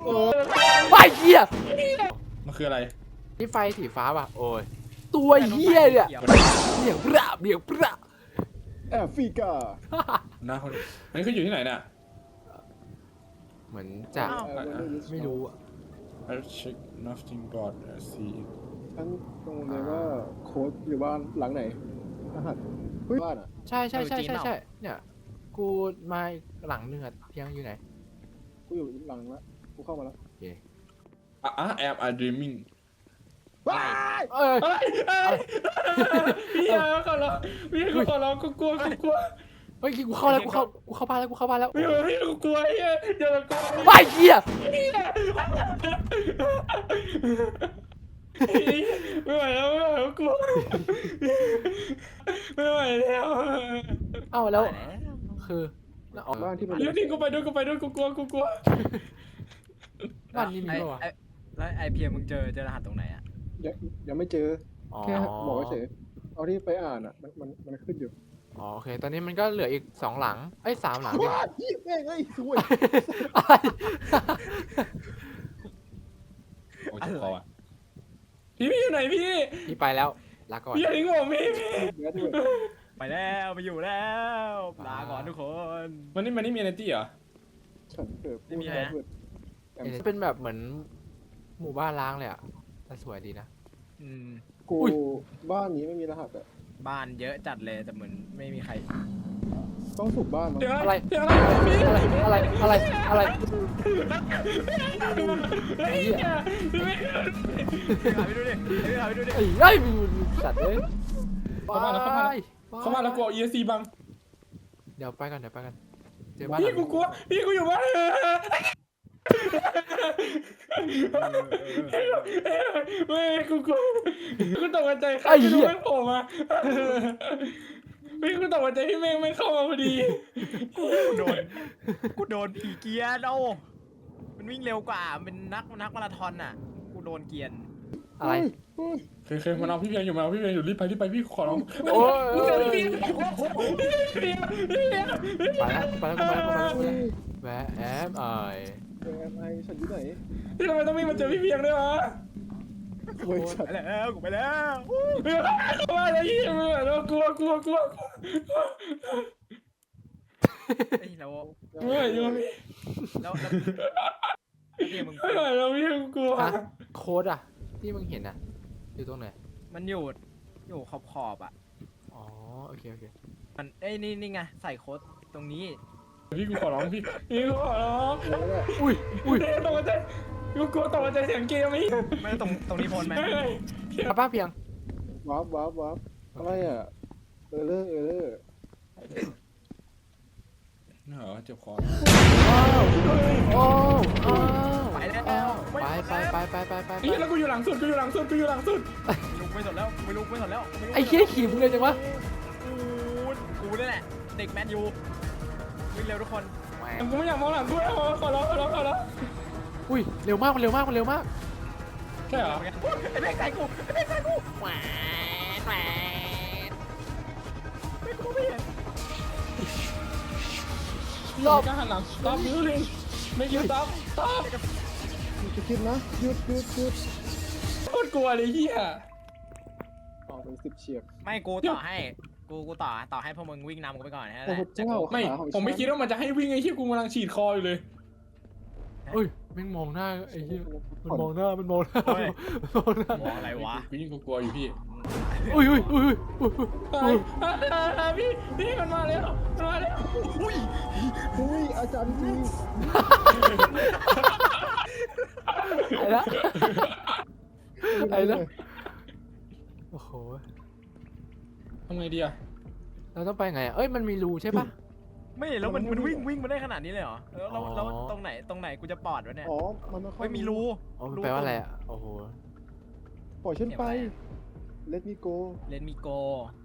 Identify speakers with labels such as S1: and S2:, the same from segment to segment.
S1: ไอ้เหี้ย
S2: มันคืออะไร
S1: นี่ไฟสีฟ้าป่ะโอ้ยตัวเหี้ยเนี่ยเบี่ยงปราเบี่ยงปรา
S3: แอฟริกา
S2: นะคนอันนี้คืออยู่ที่ไหนเนี่ย
S1: เหมือนจะไม่รู้อะ
S2: I check nothing but I see
S3: ฉันตรงเลยว่าโค้ดอยู่บ้านหลังไหนรหัสเฮ้ยบ้านอ่ะ
S1: ใช่เนี่ยกูมาหลังนึงอะเพียงอยู่ไหน
S3: กูอยู่หลังละกูเข้ามาแล้ว
S1: โอเค
S2: am I dreaming
S3: ว้าย
S1: เอ้ย
S2: อะไรพี่ขอร้องพี่ขอร้องกูกลัว
S1: เฮ้ยกูเข้าแล้วกูเข้าบ้านแล้วกูเข้าบ้านแล้ว
S2: พี่กูกลัวเฮ้ยเดี๋ยวกู
S1: ไอ้เหี้ย
S2: ไม่ไหวแล้วกลัวไม่ไหวแล้ว
S1: เอ้าแล้วคือ
S3: บ้านที่มัน
S2: เดี๋ยวนี่กูไปด้วยกูกลัว
S1: บ้านนี้มีป่าวะ
S4: แล้วไอเพียมึงเจอรหัสตรงไหนอ่ะ
S3: ยังไม่เจอ
S1: อ๋อ
S3: แค่บอกเฉยเอาที่ไปอ่านอ่ะมันขึ้นอยู่
S1: อ๋อโอเคตอนนี้มันก็เหลืออีก2หลังเอ้ย3หลังดิ
S3: ว้ายแม่งไอ้สวย
S1: อะไร
S2: โอ้ยคออ่ะพี่อยู่ไหนพี่
S1: พี่ไปแล้วลาก่อน
S2: พี่ทิ้งผมพี่
S3: เนื้อด้วย
S4: ไปแล้วไปอยู่แล้วลาก่อนทุกคน
S2: มันนี่มีเอเนตี้เหรอ
S3: ฉันเกิดพูดแทนเพื่อน
S1: เป็นแบบเหมือนหมู่บ้านล้างเลยอ่ะแต่สวยดีนะ
S3: กูบ้านนี้ไม่มีรหัสอ่ะ
S4: บ้านเยอะจัดเลยแต่เหมือนไม่มีใคร
S3: ต้องสูบบ้านมั้ง
S2: เดี๋ยว
S1: อะไร
S2: พี่
S1: อะไรไอ้เหี้ย
S4: หาไปดูดิหาไปดูดิ
S1: ไอ้มีสัตว์เลย
S2: เข้ามาแล้วกูเอา ESC บัง
S1: เดี๋ยวไปกันเจอบ้าน
S2: พี่กูกลัวพี่กูอยู่บ้านไม่กูกลัวกูตกใจใครไม่รู้แม่งโผล่มาพี่กูตกใจพี่แม่งไม่เข้ามาพอดี
S4: กูโดนผีเกียร์เอามันวิ่งเร็วกว่าเป็นนักมาราธอนอ่ะกูโดนเกียร์
S1: อะไร
S2: เคยมันเอาพี่เพียงอยู่รีบไปพี่ขอร้อง
S1: โอ้ย
S2: กูเจอพี่เพียง
S1: ไปแล้วแวะแอมไอ
S3: ไอ้ฉันอยู่ไหน
S2: พี่ทำไมต้องวิ่งมาเจอพี่เพียงด้วยวะ
S3: สวยฉัน
S4: ไปแล้วกูไปแล้ว
S2: เข้ามาเลยพี่เรากลัว
S4: ไอ้เรา
S2: ไม่อยู่พี่
S4: แล้วเพียมึง
S2: ไม่ไหวแล้วพี่กลัว
S1: โค้ดอ่ะที่มึงเห็นอ่ะอยู่ตรงไหน
S4: มันอยู่ขอบอ่ะ
S1: อ๋อโอเค
S4: มันเอ้ยนี่ไงใส่โค้ดตรงนี้
S2: พี่กูขอร้องพี่กูขอร้อง
S1: อุ้ย
S2: ตกใจกูกลัวตกใจเสียงเกมไหม
S4: ไม่ตรงนี้พ้นไหม
S1: ป้าเพียง
S3: วับอะไรอ่ะเออเลอร์
S2: เหรอเจ็บคอ
S1: โอ้
S4: ไปแล้ว
S1: ไป
S2: นี่แล้วกูอยู่หลังสุด
S4: ไม่ลุกไม่สนแล้ว
S1: ไอ้เหี้ยขี่มึงเลยจังวะ
S4: กูนี่แหละเด็กแมนยูวิ่งเร็วทุกคน
S2: กูไม่อยากมองหลังกูแล้วขอร้อง
S1: อุ้ยเร็วมากมันเร็วมาก
S2: ใช่เหรอ
S4: ไอ้แม่งใส่กูแหวนไม่กูไม่เห็น
S1: รอบ
S2: ก็หันหลัง stop ยูรินไม่ยู stop
S3: จะคิดนะหยุด
S2: โคตรกลัวเลยเฮีย
S3: ออกเป็น10 เฉียบ
S4: ไม่กูต่อให้กูต่อให้พวกมึงวิ่งนำกูไปก่อนนะ
S3: โอ้โหเจ้า
S2: ไม่ผมไม่คิดว่ามันจะให้วิ่งไอ้เฮียกูกำลังฉีดคออยู่เลย
S1: เอ้ยแม่งมองหน้าไอ้เหี้ยมันมองหน้า
S4: มองอะไรวะ
S2: กูยิ่งกลัวอยู่พี่
S1: อุ้ย
S2: พี่มันมาแล้ว
S3: อุ้ยอาจารย์จริง
S1: ไอ้ละโอ้โห
S2: ทำไงดีอะ
S1: เราต้องไปไงเอ้ยมันมีรูใช่ปะ
S4: ไม่แล้วมันวิ่งมาได้ขนาดนี้เลยเหรอแล้วตรงไหนกูจะปอดวะเนี่ย
S3: อ๋อมันไม่ค่อย
S4: ไม่มีรู
S1: อ๋อมันแปลว่าอะไรอ่ะโอ้โห
S3: ปล่อยฉันไป let me go
S4: เลนมีโก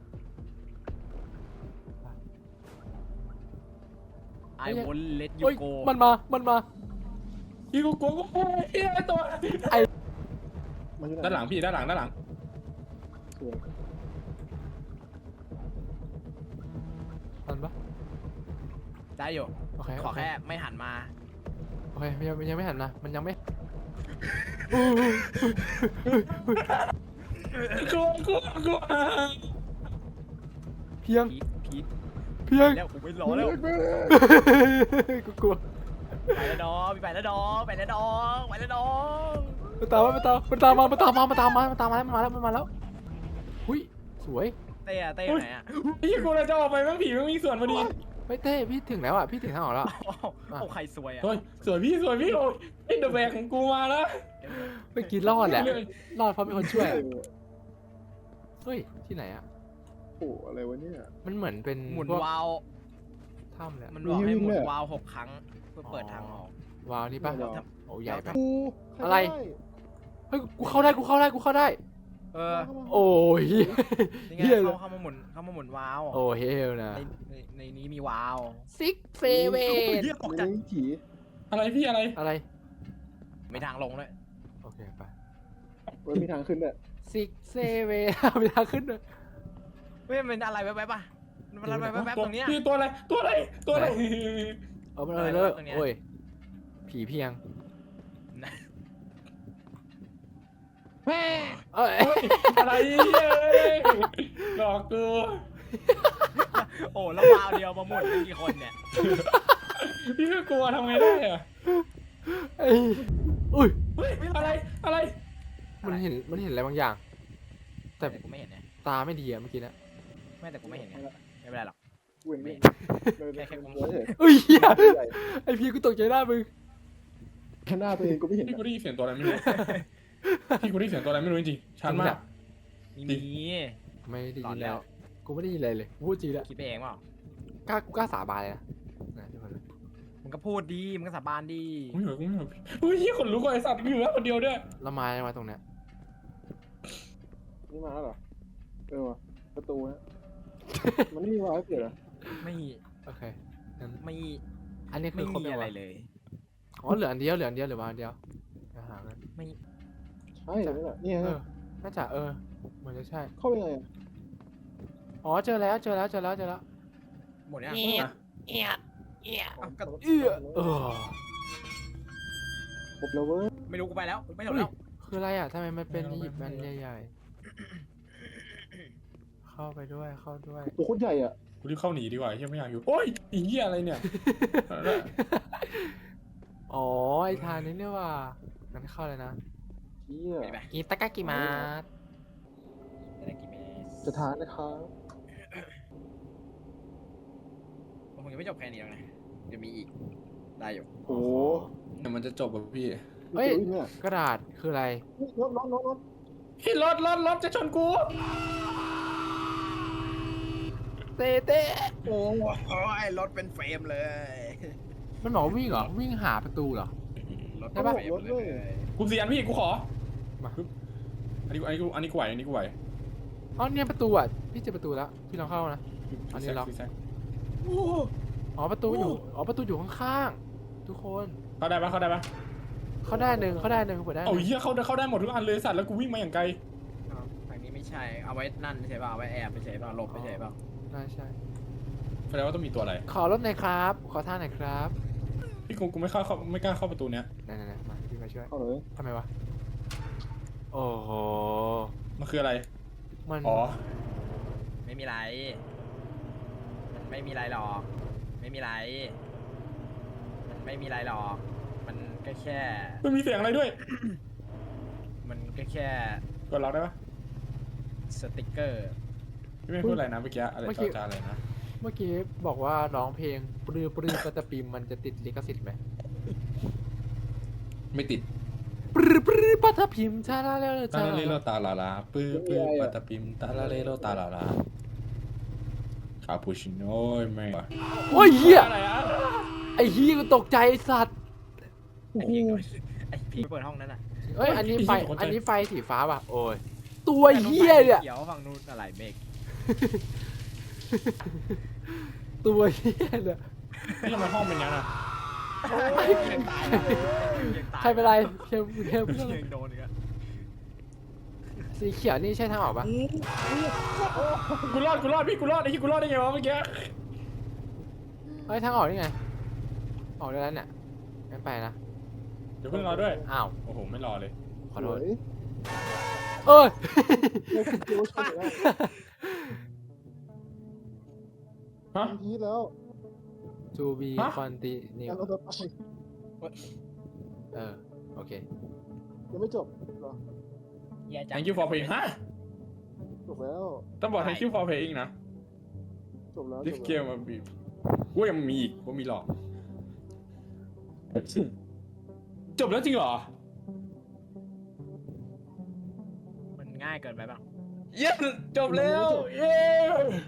S4: ไอวอนเลตยู
S1: เอ้ย
S4: โก
S1: มันมา
S2: พี่กูกลัวเฮียตัว
S3: มันอยู่ไหน
S2: ด้านหลังพี่ด้านหลัง
S3: สวย
S1: มันปะ
S4: ได้อยู่
S1: โอเค
S4: ขอแค่ไม่หันมา
S1: โอเคมันยังไม่หันนะมันยังไม่
S2: กลัวกลัวกลัว
S1: เพียง
S4: พีท
S1: เพียง
S4: แล้วกูไม่รอแล้ว
S1: กูกลัว
S4: ไปแล้วน้องไปแล้วน้องไปแล้วน้องไปแล้วน้อง
S1: มันตามมาแล้วหุ้ยสวย
S4: เต้อะเต้ไหนอะ
S2: พี่กูเราจะออกไปแม่งผีแม่งมีส่วนพอดี
S1: ไม่เต้พี่ถึงแล้วอ่ะพี่ถึงทางออกแล้ว
S4: โอ้ใครสวยอะ
S2: เฮ้ยสวยพี่โอ้ยไอ้เดอะแบกของกูมาแล้ว
S1: เมื่อกี้รอดแหละรอดเพราะมีคนช่วยเฮ้ยที่ไหนอ่ะ
S3: โอ้อะไรวะเนี่ย
S1: มันเหมือนเป็น
S4: หมุน
S1: พก
S4: วาล์ว
S1: ถ้ำเลย
S4: มันบอกให้หมุนวาล์ว6 ครั้งเพื่อเปิดทางออก
S1: วาวนี่ปะโอ้ใหญ่ไป
S3: กู
S1: อะไร เฮ้ยกูเข้าได้
S4: เออ
S1: โอ้ย
S4: นี่ไง
S1: เฮียเลย
S4: เข้ามาหมุนวาล์ว
S1: โอ้เฮลนะ
S4: ในนี้มีวาล์ว
S1: ซิกเซเว
S4: เฮียตกใจ
S3: ไม่ผี
S2: อะไรพี่อะไร
S1: อะไร
S4: ไม่ทางลงเลย
S1: โอเคไป
S3: มันมีทางขึ้นด้วย
S1: ซิกเซเวไม่ทางขึ้นเลย
S4: เฮ้ยมันอะไรแว๊บๆป่ะมันอะไรแว๊บๆตรงเนี้ย
S2: พี่ตัวอะไร
S1: เอามันเลยเลิกโอ้ยผีเพียงเอ้ย
S2: อะไรหลอกกู
S4: โอ้แล้ววาล์วเดียวมาหมุนเป็นกี่คนเนี่ย
S2: พี่ก็กลัวทำไงได้อะ
S1: ไอ้อุ้ย
S2: อะไร
S1: มันเห็นอะไรบางอย่าง แต่
S4: แต่กูไม่เห็นนะ
S1: ตาไม่ดีอะเมื่อกี้นะ
S4: ไม่แต่กูไม่เห็นไงไม่เป็นไรหรอก
S3: เว้นเลยแค่มองเฉย
S1: เอ้ยเหี้ยไอ้พี่กูตกใจหน้ามึง
S3: หน้าตัวเองกูไม่เห็น
S2: พี่กูได้ยินเสียงตัวอะไรไม่รู้พี่กูได้ยินเสียงตัวอะไรไม่รู้จริงๆชัดมาก
S4: มี
S1: ไม่ได้
S4: หล
S1: ยิ
S4: อน
S1: น
S4: แล้
S1: แล้ว
S4: ว
S1: กูไม่ได้ยินอะไรเลยพูดจริงแล้ว
S4: คิดไปเองเปล่าก
S1: ล้าสาบานเลยนะทุกคน
S4: มึงก็พูดดีมึงก็สาบานดี
S2: กูไม่เหรออุ้ยยี่ขนลุกเลยไอ้สัตว์กูอยู่แล้วคนเดียวด้วย
S1: แล้วมาตรงเนี้ย
S3: นี่มาแล้วเหรอวะประตูนะมันไม่มีวาล์วเกิดเหรอ
S4: ไม่
S1: โอเคงั้น
S4: ไม่
S1: อันนี้คื
S4: ไม่
S1: อครบ
S4: มี
S1: ยัง
S4: อะไร
S1: วะ
S4: เลย
S1: อ๋อเหลืออันเดียวหรือว่าอันเดียวหากัน
S4: ไม่
S3: ใช่นี่แหละนี่
S1: เอ
S3: ไง
S1: อน่าจะเหมือนจะใช่
S3: เข้ายังไง
S1: อ๋อเจอแล้ว
S4: หมดยัง
S1: ครบแล้วเว้ย
S4: ไม่รู้กูไปแล้วไม่หลบ
S1: เฮ้ย
S4: แล้ว
S1: คืออะไรอ่ะทำไมมันเป็นอียิปต์มันใหญ่ๆเข้าด้วย
S3: ตัวโคตรใหญ่อ่ะ
S2: กูรีบเข้าหนีดีกว่าเฮียไม่อยากอยู่โอ้ยอีเหี้ยอะไรเนี่ย
S1: อ๋อไอทางนี้เนี่ยว่ะงั้นเข้าเลยนะ
S3: เชี่ย
S4: ไป
S1: อิตากากิมาส
S4: ได้กี่เมตร
S3: จะทานนะครับ
S4: ผมยังไม่จบแค่นี้แล้วนะจะมีอีกได้อยู่
S3: โอ้
S2: เดี๋ยวมันจะจบแบบพี่
S1: เฮ้ย
S3: เนี่ย
S1: กระดาษคืออะไร
S3: รถ
S2: พี่รถจะชนกู
S1: เต้
S4: โอ้ยรถเป็นเฟรมเลย
S1: มันบอกว่าวิ่งเหรอวิ่งหาประตูเหรอ
S4: รถ
S1: ใช่ปะ
S4: เฟรมเลย
S2: กูเสียนพี่กูขอ
S1: มา
S2: อันนี้กูไหว
S1: อ๋อเนี่ยประตูอ่ะพี่เจอประตูแล้วพี่ลองเข้านะ อันนี้ล็อก อ๋อประตูอยู่ข้างๆทุกคน
S2: เข้าได้ปะ
S1: เข้าได้หนึ่งเปิดได้ห
S2: เอา
S1: นึ่ง
S2: เหี้ยเข้าได้หมดทุกอันเลยสัตว์แล้วกูวิ่งมาอย่างไกล
S4: ทางนี้ไม่ใช่เอาไว้นั่นใช่ป่ะเอาไว้แอบไม่ใช่ป่ะหลบไม่ใช่ป่ะ
S1: ใช่
S2: แสดงว่าต้องมีตัวอะไร
S1: ขอรถหน่อยครับ ขอท่าหน่อยครับ
S2: พี่กูไม่กล้าเข้าประตูเนี้ย
S1: ไหนมาพี่มาช่วย
S3: เอาเลย
S1: ทำไมวะโอ้โห
S2: มันคืออะไร
S1: มัน
S2: อ๋อ
S4: ไม่มีไรมันไม่มีไรหรอกไม่มีไรมันไม่มีไรหรอกมันก็แค่
S2: มันมีเสียงอะไรด้วย
S4: มันก็แค่
S2: กดล็อกได้ปะ
S4: สติกเกอร์
S2: พี่ไม่พูดอะไรนะเมื่อกี้อะไรจาอะไรนะ
S1: เมื่อกี้บอกว่าร้องเพลงปรือปะตะปิมมันจะติดลิขสิทธิ์ไหม
S2: ไม่ติด
S1: ปรือปะตะปิมชาลาเล
S2: ตาลาเลโลตาลาลาปื้อปาตาปิมตาลาเลโลตาลาลาคาปูชิโน่แม่ง
S1: โอ้ยเหี้ย
S2: อะไรอะ
S1: ไอ้เหี้ยกูตกใจไอ้สัตว์
S4: ไอพี่เปิดห้องนั้นอ่ะ
S1: เอ้ยอันนี้ไฟสีฟ้าว่ะโอ้ยตัวเหี้ยเนี่ย
S4: เขียวฝั่งนู้นอะไรเมฆ
S1: ตัวเหี้ยเนี่ย
S2: นี่ทำไมห้องเป็นอย่างนั้นอะ
S4: ยังตายแล้วยังตาย
S1: ใครเป็นไรเทม
S4: ยังโดนอีกอะ
S1: สีเขียวนี่ใช่ทางออกปะ
S2: กูรอดพี่กูรอดไอ้ที่กูรอดได้ไงวะเมื่อกี้
S1: เฮ้ยทางออกนี่ไงออกได้แล้วเนี่ยงั้นไปนะ
S2: เดี๋ยวเพิ่งรอด้วย
S1: อ้าว
S2: โอ้โหไม่รอเลย
S1: ขอโทษ
S3: สวย
S1: เอ้ย
S3: เนี่ยคือคิวชนแล้ว
S2: ฮะ
S3: ทีแล้ว
S1: to be
S2: ฮะ
S1: continue
S3: งั้นเราจะไป
S1: โอเค
S3: ยังไม่จบเหรอ
S4: เหี้ยจัง
S2: thank you for playing ฮะ
S3: จบแล้ว
S2: ต้องบอก thank you for playing นะ
S3: จบแล้ว
S2: this
S3: จบแล้ว
S2: game มันมีกูยังมีอีกกูมีหลอกจบแล้วจริงเหรอ
S4: มันง่ายเกินไปบ้าง
S2: เย้จบแล้ว เย้